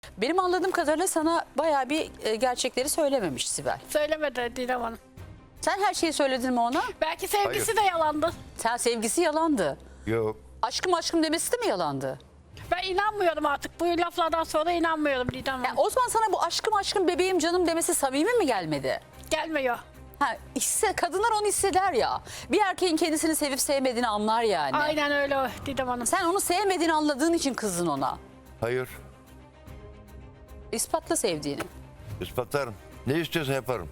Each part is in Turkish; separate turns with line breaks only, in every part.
Benim anladığım kadarıyla sana bayağı bir gerçekleri söylememiş Sibel.
Söylemedi Didem Hanım.
Sen her şeyi söyledin mi ona?
Belki sevgisi de yalandı.
Sen sevgisi yalandı.
Yok.
Aşkım aşkım demesi de mi yalandı?
Ben inanmıyorum artık. Bu laflardan sonra inanmıyorum Didem Hanım.
Yani o zaman sana bu aşkım aşkım bebeğim canım demesi samimi mi gelmedi?
Gelmiyor.
Ha, kadınlar onu hisseder ya. Bir erkeğin kendisini sevip sevmediğini anlar yani.
Aynen öyle Didem Hanım.
Sen onu sevmediğini anladığın için kızdın ona.
Hayır.
İspatla sevdiğini.
İspatlarım. Ne istiyorsan yaparım.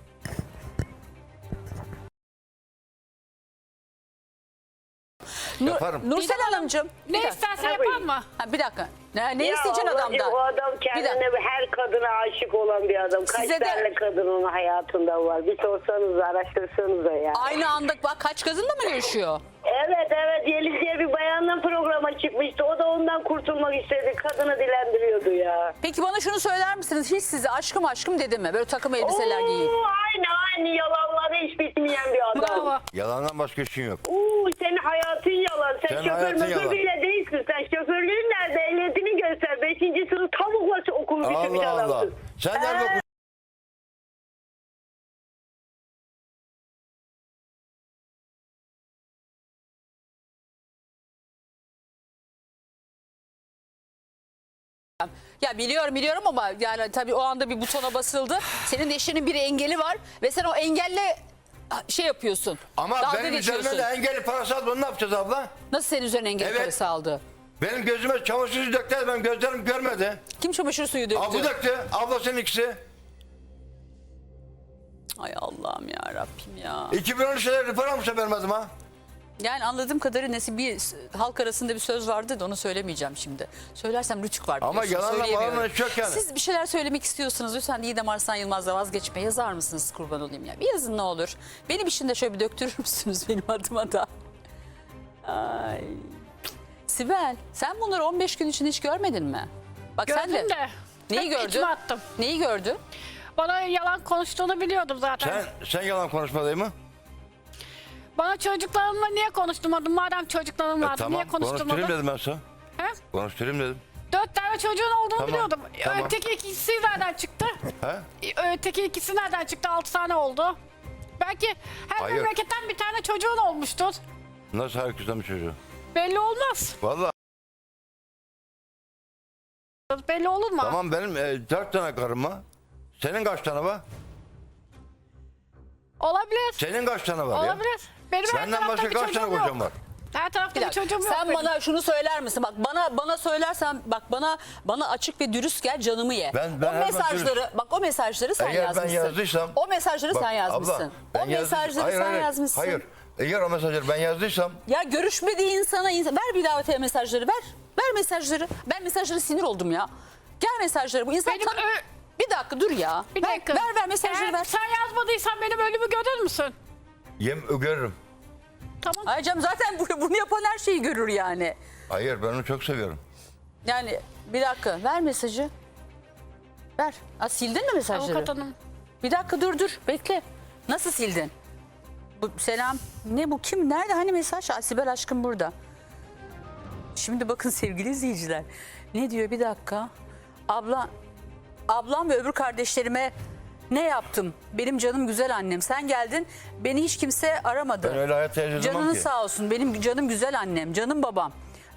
Yaparım.
Nursel
Didem Hanım,
Hanımcığım.
Ne
bir dakika.
isterse yapar mı?
Ha, bir dakika. Ne
Ya
isteyeceksin
ablacığım,
adamdan?
O adam
Bir dakika.
kendine her kadına aşık olan bir adam. Kaç
Size de-
tane kadın onun hayatında var? Bir sorsanız, araştırsanıza ya.
Aynı anda bak kaç kadınla mı görüşüyor?
Evet Yeliz diye bir bayanla programa çıkmıştı. O da ondan kurtulmak istedi. Kadını dilendiriyordu ya.
Peki bana şunu söyler misiniz? Hiç size aşkım aşkım dedi mi? Böyle takım elbiseler giyip.
Aynı yalanları hiç bitmeyen bir adam.
Bravo.
Yalandan başka işin yok.
Senin hayatın yalan. Sen
Senin
şoför
hayatın
möfür
yalan.
bile değilsin. Sen şoförlüğün nerede? Ehliyetini göster. 5. sınıf tavukla okumuş bir
Allah Allah.
adamsın.
Sen nerede okudun?
Ya biliyorum ama yani tabii o anda bir butona basıldı. Senin eşinin bir engeli var ve sen o engelle şey yapıyorsun.
Ama
dalga
benim
geçiyorsun.
üzerime de engelli parası aldı. Onu ne yapacağız abla?
Nasıl senin üzerine engel
Evet.
parası aldı?
Benim gözüme çamaşır suyu döktü. Ben gözlerim görmedi.
Kim çamaşır suyu döktü?
Abla döktü. Ablasının ikisi.
Ay Allah'ım ya Rabbim ya.
2013'te rıfır almışa vermedim ha.
Yani anladığım kadarıyla halk arasında bir söz vardı da onu söylemeyeceğim şimdi. Söylersem rütük var
Ama
biliyorsun,
yalanla
söyleyemiyorum.
bağlanma hiç yok yani.
Siz bir şeyler söylemek istiyorsunuz. Lütfen Didem Arslan Yılmaz'la vazgeçme. Yazar mısınız kurban olayım ya? Bir yazın ne olur. Benim için de şöyle bir döktürür müsünüz benim adıma da? Ay. Sibel sen bunları 15 gün için hiç görmedin mi? Bak sen
Gördüm
de.
de.
Neyi
hep
gördün?
içime attım.
Neyi gördün?
Bana yalan konuştuğunu biliyordum zaten.
Sen yalan konuşma değil mi?
Bana çocuklarımla niye konuşturmadın? Madem çocuklarım vardı
Tamam.
niye konuşturmadın?
Konuşturayım dedim ben sana.
He?
Konuşturayım dedim.
4 tane çocuğun olduğunu
Tamam,
biliyordum.
tamam.
Öteki ikisi nereden çıktı?
He?
Öteki ikisi nereden çıktı? 6 tane oldu. Belki her
Hayır.
memleketten bir tane çocuğun olmuştur.
Nasıl herkesten bir çocuğu?
Belli olmaz.
Vallahi
Belli olur mu?
tamam benim 4 tane karım var. Senin kaç tane var?
Olabilir.
Senin kaç tane var ya?
Olabilir. Benim her
Senden
tarafta
başka
bir
kaç tane
çocuğum
kocam
yok.
var?
Her tarafta
Bir
bir
dakika,
çocuğum yok.
sen
benim.
bana şunu söyler misin? Bak bana söylersen bak bana açık ve dürüst gel canımı ye.
Ben
o
her
mesajları bak o mesajları sen
Eğer ben
yazmışsın.
yazdıysam...
O mesajları
Bak,
sen yazmışsın.
abla, ben
o mesajları
hayır,
sen
hayır,
yazmışsın.
Hayır. Eğer o mesajları ben yazdıysam...
Ya görüşmediği insana ver bir davetiye mesajları ver. Ver mesajları. Ben mesajları sinir oldum ya. Gel mesajları. Bu insan
Benim
bir dakika dur ya.
Bir dakika.
Ver mesajları
Eğer
ver.
sen yazmadıysan benim ölümü görür müsün?
Görürüm.
Tamam.
Ay canım zaten bunu yapan her şeyi görür yani.
Hayır ben onu çok seviyorum.
Yani bir dakika ver mesajı. Ver. Sildin mi mesajları?
Avukat hanım.
Bir dakika dur bekle. Nasıl sildin? Bu selam. Ne bu kim? Nerede hani mesaj? Sibel aşkım burada. Şimdi bakın sevgili izleyiciler. Ne diyor bir dakika. Ablam ve öbür kardeşlerime ne yaptım? Benim canım güzel annem. Sen geldin beni hiç kimse aramadı.
Ben öyle hayatta yaşamam
Canın
ki.
sağ olsun. Benim canım güzel annem. Canım babam.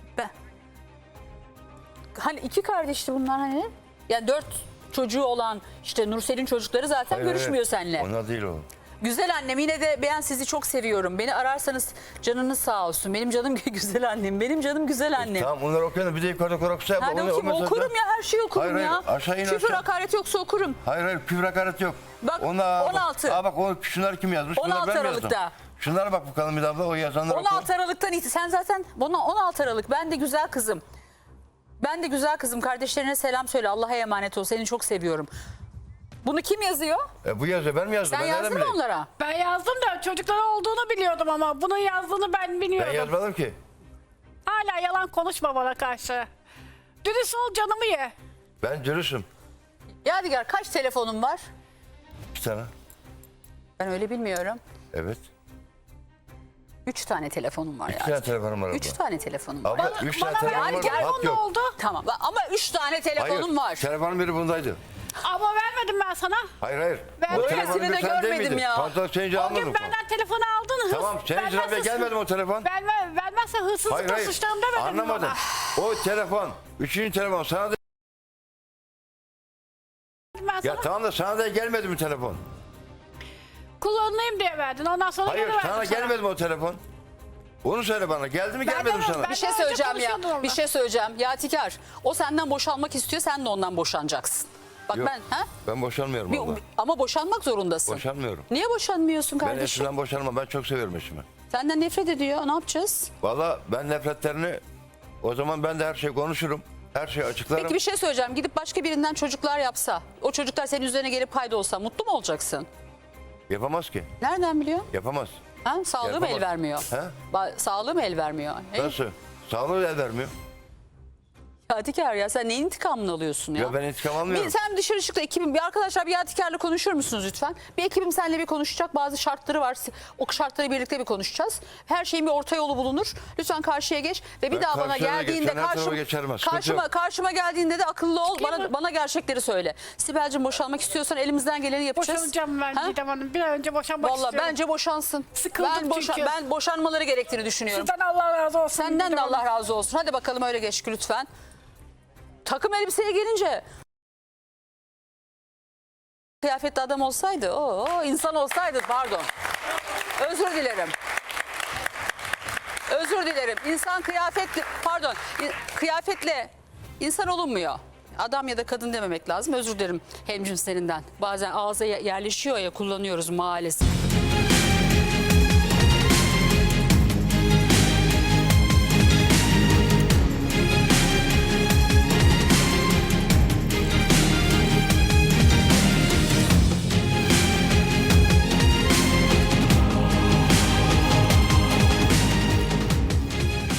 Hani 2 kardeşti bunlar hani. Yani 4 çocuğu olan işte Nursel'in çocukları zaten
Hayır,
görüşmüyor
hayır.
seninle.
Onlar değil o.
Güzel annem yine de ben sizi çok seviyorum. Beni ararsanız canınız sağ olsun. Benim canım güzel annem. Benim canım güzel annem.
Tamam onları okuyalım bir de yukarıda korkusu yapma.
Hadi
Onu-
okuyayım,
o mesajda-
okurum ya her şeyi okurum
Hayır,
ya.
hayır, aşağı in,
Küfür
aşağı.
hakaret yoksa okurum.
Hayır küfür hakaret yok.
Bak,
Onlar,
16.
Bak şunları kim yazmış?
16
Bunları ben mi
Aralık'ta.
yazdım? Şunlara bak bakalım bir daha o yazanlar
16 Aralık'tan sen zaten 16 Aralık ben de güzel kızım. Ben de güzel kızım. Kardeşlerine selam söyle. Allah'a emanet ol. Seni çok seviyorum. Bunu kim yazıyor?
Bu yazıyor ben mi yazdım?
Sen
ben nereden
yazdın mı
bileyim?
onlara?
Ben yazdım da çocukları olduğunu biliyordum ama bunun yazdığını ben
Ben
bilmiyordum.
yazmadım ki.
Hala yalan konuşma bana karşı. Dürüst ol canımı ye.
Ben dürüstüm.
Yadigar kaç telefonun var?
Bir tane.
Ben öyle bilmiyorum.
Evet.
3 tane telefonum var ya.
3 tane telefonum var abla.
3 tane telefonum var.
Abla 3 tane telefonum var.
Yani
Hat
telefon ne
yok.
oldu?
Tamam ama 3 tane telefonum var.
Telefonun biri bundaydı.
Ama vermedim ben sana.
Hayır.
Ben
O
böylesini
telefonun
de
biri sende
görmedim
miydi?
ya.
Kontrol senince
O
almadım.
gün benden telefonu aldın.
Tamam senin sıra gelmedi mi o telefon?
Vermezse hırsızlıkla suçlarım demedim
Anlamadım.
bana.
O telefon, 3. telefon sana da...
Ben sana
Ya tamam da sana da gelmedi mi telefon?
kullanayım diye verdin. Ondan sonra
Hayır
geri verdim
sana gelmedi mi o telefon? Onu söyle bana. Geldi mi gelmedi mi sana?
ben-
Bir şey
Daha
söyleyeceğim
önce
ya.
konuşuyordum
Bir
onunla.
şey söyleyeceğim. Yadigar o senden boşanmak istiyor, sen de ondan boşanacaksın. Bak
Yok,
ha?
ben boşanmıyorum abla.
Ama boşanmak zorundasın.
Boşanmıyorum.
Niye boşanmıyorsun
Ben
kardeşim?
eşimden boşanmam. Ben çok seviyorum eşimi.
Senden nefret ediyor. Ne yapacağız?
Valla ben nefretlerini... O zaman ben de her şeyi konuşurum. Her şeyi açıklarım.
Peki bir şey söyleyeceğim. Gidip başka birinden çocuklar yapsa, o çocuklar senin üzerine gelip payda olsa mutlu mu olacaksın?
Yapamaz ki.
Nereden biliyorsun?
Yapamaz.
Ha? Sağlığı mı el
Yapamaz.
vermiyor?
He?
Sağlığı mı el vermiyor?
Nasıl? Sağlığı el vermiyor.
Yadigar ya sen neyin intikamını alıyorsun ya?
Ya ben intikam almıyorum.
Sen dışarı çıktı ekibim. Bir arkadaşlar bir Yadigar'la konuşur musunuz lütfen? Bir ekibim seninle bir konuşacak. Bazı şartları var. O şartları birlikte bir konuşacağız. Her şeyin bir orta yolu bulunur. Lütfen karşıya geç ve bir
Ben
daha bana
karşıya
geldiğinde
geçerim, her tarafa geçerim, sıkıntı yok.
karşıma geldiğinde de akıllı ol.
Çıkayım mı?
Bana gerçekleri söyle. Sibel'cim boşanmak istiyorsan elimizden geleni yapacağız.
boşanacağım ben
Ha?
Didem Hanım. Bir an önce boşanmak
Vallahi
istiyorum.
bence boşansın.
Sıkıldım çünkü.
Ben boşanmaları gerektiğini düşünüyorum.
Sizden Allah razı olsun.
Senden de
Didem
Allah
Hanım.
razı olsun. Hadi bakalım öyle geç lütfen. Takım elbiseye gelince kıyafetli adam olsaydı, insan olsaydı pardon. Özür dilerim. Özür dilerim. İnsan kıyafetle insan olunmuyor. Adam ya da kadın dememek lazım. Özür dilerim hemcinslerinden. Bazen ağza yerleşiyor ya kullanıyoruz maalesef.